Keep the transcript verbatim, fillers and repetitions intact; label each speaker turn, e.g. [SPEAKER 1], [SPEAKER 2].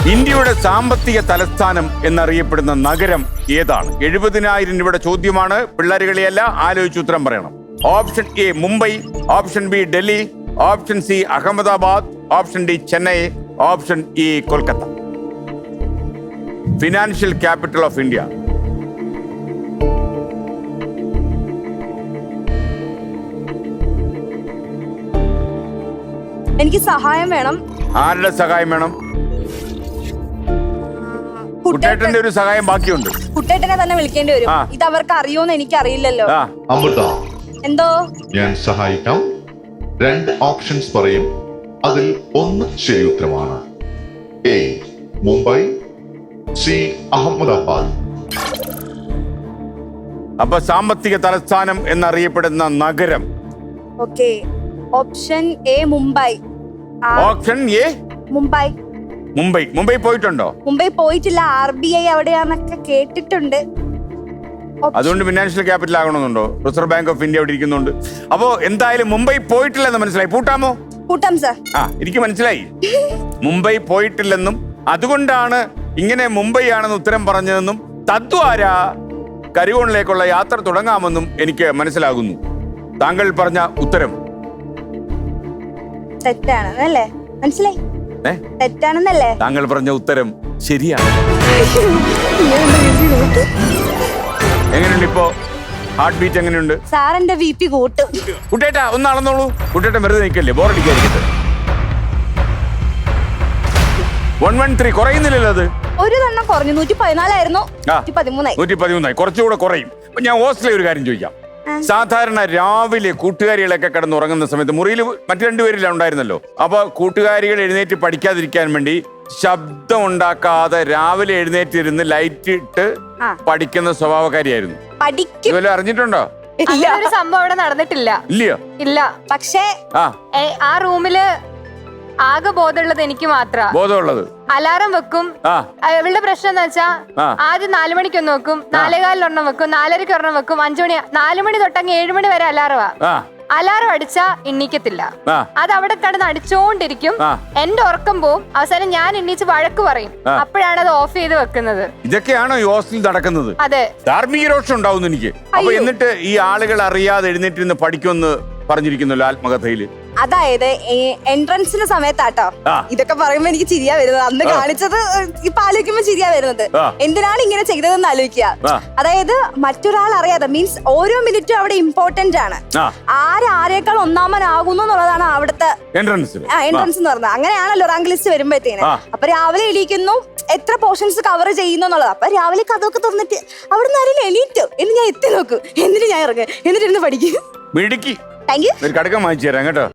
[SPEAKER 1] ഇന്ത്യയുടെ സാമ്പത്തിക തലസ്ഥാനം എന്നറിയപ്പെടുന്ന നഗരം ഏതാണ്? എഴുപതിനായിരം രൂപയുടെ ചോദ്യമാണ്. പിള്ളേരുകളിയല്ല, ആലോചിച്ച് ഉത്തരം പറയണം. Option A Mumbai, option B Delhi, option C Ahmedabad, option D Chennai, option E Kolkata. Financial capital of India.
[SPEAKER 2] എനിക്ക് സഹായം വേണം.
[SPEAKER 1] ആരുടെ സഹായം വേണം? കുട്ടേട്ടന്റെ ഒരു സഹായം ബാക്കിയുണ്ട്.
[SPEAKER 2] കുട്ടേട്ടനെ തന്നെ വിളിക്കേണ്ടി വരും. ഇത് അവർക്ക് അറിയോന്ന് എനിക്ക് അറിയില്ലല്ലോ.
[SPEAKER 3] അമൃത,
[SPEAKER 2] എന്തോ
[SPEAKER 3] ഞാൻ സഹായിക്കാം. രണ്ട് ഓപ്ഷൻസ് പറയും, അതിൽ ഒന്ന് ശരി ഉത്തരമാണ്. A Mumbai, C Ahmedabad.
[SPEAKER 1] അപ്പൊ സാമ്പത്തിക തലസ്ഥാനം എന്നറിയപ്പെടുന്ന നഗരം.
[SPEAKER 2] Okay, option A Mumbai.
[SPEAKER 1] Option A
[SPEAKER 2] Mumbai.
[SPEAKER 1] Mumbai. Mumbai പോയിട്ടുണ്ടോ?
[SPEAKER 2] മുംബൈ പോയിട്ടില്ല. ആർ ബി ഐ അവിടെയാന്നൊക്കെ കേട്ടിട്ടുണ്ട്.
[SPEAKER 1] അതുകൊണ്ട് ഫിനാൻഷ്യൽ ക്യാപിറ്റൽ ആകണമെന്നുണ്ടോ? റിസർവ് ബാങ്ക് ഓഫ് ഇന്ത്യ അവിടെ ഇരിക്കുന്നുണ്ട്. അപ്പോ എന്തായാലും മുംബൈ പോയിട്ടില്ലെന്ന് മനസ്സിലായി. പൂട്ടാമോ?
[SPEAKER 2] പൂട്ടാം സർ.
[SPEAKER 1] ആ, എനിക്ക് മനസ്സിലായി മുംബൈ പോയിട്ടില്ലെന്നും അതുകൊണ്ടാണ് ഇങ്ങനെ മുംബൈ ആണെന്ന് ഉത്തരം പറഞ്ഞതെന്നും തദ്വാര കരികോണിലേക്കുള്ള യാത്ര തുടങ്ങാമെന്നും എനിക്ക് മനസ്സിലാകുന്നു. താങ്കൾ പറഞ്ഞ ഉത്തരം
[SPEAKER 2] തെറ്റാണെന്നല്ലേ? മനസ്സിലായി, തെറ്റാണെന്നല്ലേ?
[SPEAKER 1] താങ്കൾ പറഞ്ഞ ഉത്തരം ശരിയാണ്. എങ്ങനെയുണ്ട് ഇപ്പോ? ഹാർട്ട് ബീറ്റ് എങ്ങനെയുണ്ട്?
[SPEAKER 2] സാറിന്റെ വി പി കൂട്ടും.
[SPEAKER 1] കുട്ടേട്ടാ ഒന്ന് അളന്നോളൂ. കുട്ടേട്ടൻ വെറുതെ നിൽക്കല്ലേ, ബോറടിക്കാതിരിക്കട്ടെ. വൺ വൺ ത്രീ കുറയുന്നില്ലല്ലോ അത്.
[SPEAKER 2] ഒരു തന്നെ കുറഞ്ഞു. നൂറ്റി പതിനാലായിരുന്നു, നൂറ്റി പതിമൂന്നായി.
[SPEAKER 1] നൂറ്റി പതിമൂന്നായി, കുറച്ചുകൂടെ കുറയും. അപ്പൊ ഞാൻ ഹോസ്റ്റലിൽ ഒരു കാര്യം ചോദിക്കാം. സാധാരണ രാവിലെ കൂട്ടുകാരികളൊക്കെ കിടന്ന് ഉറങ്ങുന്ന സമയത്ത് മുറിയിൽ മറ്റു രണ്ടുപേരില്ല ഉണ്ടായിരുന്നല്ലോ. അപ്പൊ കൂട്ടുകാരികൾ എഴുന്നേറ്റ് പഠിക്കാതിരിക്കാൻ വേണ്ടി ശബ്ദം ഉണ്ടാക്കാതെ രാവിലെ എഴുന്നേറ്റിരുന്ന് ലൈറ്റ് ഇട്ട് പഠിക്കുന്ന സ്വഭാവക്കാരിയായിരുന്നു. ഇതുവരെ അറിഞ്ഞിട്ടുണ്ടോ?
[SPEAKER 4] ഒരു സംഭവം അവിടെ നടന്നിട്ടില്ല.
[SPEAKER 1] ഇല്ലയോ?
[SPEAKER 4] ഇല്ല. പക്ഷേ ആ റൂമില് ആകെ ബോധമുള്ളത് എനിക്ക് മാത്രം.
[SPEAKER 1] ബോധമുള്ളത്
[SPEAKER 4] അലാറം വെക്കും. ഇവളുടെ പ്രശ്നം എന്താ വെച്ചാ ആദ്യം നാലു മണിക്ക് ഒന്ന് വെക്കും, നാലേകാലിൽ ഒരെണ്ണം വെക്കും, നാലരയ്ക്ക് ഒരെണ്ണം വെക്കും, അഞ്ചു മണി നാലു മണി തൊട്ടങ്ങ് ഏഴു മണി വരെ അലാറവാ. അലാറം അടിച്ചാ എണ്ണീക്കത്തില്ല. അത് അവിടെ കിടന്ന് അടിച്ചോണ്ടിരിക്കും. എന്റെ ഉറക്കം പോവും. അവസാനം ഞാൻ എണ്ണീച്ച് വഴക്ക് പറയും. അപ്പോഴാണ് അത് ഓഫ് ചെയ്ത് വെക്കുന്നത്.
[SPEAKER 1] ഇതൊക്കെയാണോ ഈ ഹോസ്റ്റലിൽ നടക്കുന്നത്?
[SPEAKER 4] അതെ.
[SPEAKER 1] ധാർമ്മിക രോഷം ഉണ്ടാവുന്നു എനിക്ക്. അപ്പൊ എന്നിട്ട് ഈ ആളുകൾ അറിയാതെ എഴുന്നേറ്റിരുന്ന് പഠിക്കുമെന്ന് പറഞ്ഞിരിക്കുന്നല്ലോ ആത്മകഥയില്.
[SPEAKER 2] അതായത് എൻട്രൻസിന്റെ സമയത്താട്ടോ ഇതൊക്കെ പറയുമ്പോ എനിക്ക് ചിരിയാ വരുന്നത്. അന്ന് കാണിച്ചത് ഇപ്പൊ ആലോചിക്കുമ്പോ ചിരിയാ വരുന്നത്. എന്തിനാണ് ഇങ്ങനെ ചെയ്തതെന്ന് ആലോചിക്കുക. അതായത് മറ്റൊരാൾ അറിയാതെ, മീൻസ് ഓരോ മിനിറ്റും അവിടെ ഇമ്പോർട്ടന്റ് ആണ്. ആരാരേക്കാൾ ഒന്നാമനാകുന്നു എന്നുള്ളതാണ് അവിടുത്തെ എൻട്രൻസ് എന്ന് പറഞ്ഞത്. അങ്ങനെയാണല്ലോ റാങ്ക് ലിസ്റ്റ് വരുമ്പോഴത്തേന്. അപ്പൊ രാവിലെ എണീക്കുന്നു, എത്ര പോർഷൻസ് കവർ ചെയ്യുന്നു എന്നുള്ളത്. അപ്പൊ രാവിലെ കഥയൊക്കെ തുറന്നിട്ട് അവിടെ നിന്ന് ആരെങ്കിലും എണീറ്റോ എന്ന് ഞാൻ എത്തി നോക്കും. എന്നിട്ട് ഞാൻ ഇറങ്ങും, എന്നിട്ട് ഇരുന്ന് പഠിക്കും.
[SPEAKER 1] മിടുക്കി.
[SPEAKER 2] Thank you.
[SPEAKER 1] ഒരു കടക്കം വാങ്ങിച്ചു തരാം കേട്ടോ.